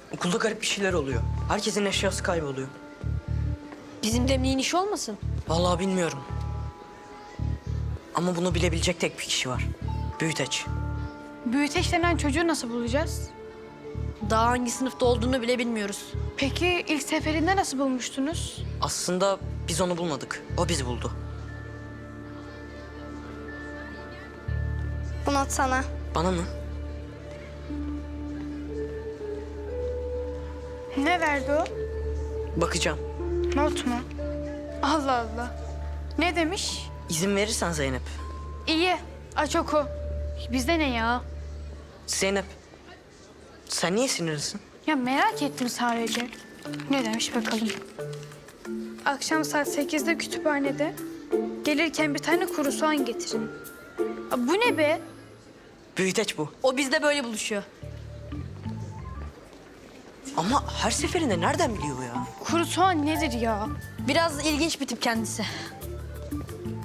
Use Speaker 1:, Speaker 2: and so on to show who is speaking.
Speaker 1: Okulda garip bir şeyler oluyor. Herkesin eşyası kayboluyor.
Speaker 2: Bizim Demliğin işi olmasın?
Speaker 1: Vallahi bilmiyorum. Ama bunu bilebilecek tek bir kişi var. Büyüteç.
Speaker 3: Büyüteç denen çocuğu nasıl bulacağız?
Speaker 2: Daha hangi sınıfta olduğunu bile bilmiyoruz.
Speaker 3: Peki ilk seferinde nasıl bulmuştunuz?
Speaker 1: Aslında biz onu bulmadık. O bizi buldu.
Speaker 4: Bu not sana.
Speaker 1: Bana mı?
Speaker 3: Ne verdi o?
Speaker 1: Bakacağım.
Speaker 3: Not mu? Allah Allah. Ne demiş?
Speaker 1: İzin verirsen Zeynep.
Speaker 3: İyi. Aç oku. Bizde ne ya?
Speaker 1: Zeynep. Sen niye sinirlisin?
Speaker 3: Ya merak ettim sadece. Ne demiş bakalım. Akşam saat 8'de kütüphanede. Gelirken bir tane kuru soğan getirin. Bu ne be?
Speaker 1: Büyüteç bu.
Speaker 2: O bizde böyle buluşuyor.
Speaker 1: Ama her seferinde nereden biliyor ya?
Speaker 3: Kuru soğan nedir ya?
Speaker 2: Biraz ilginç bir tip kendisi.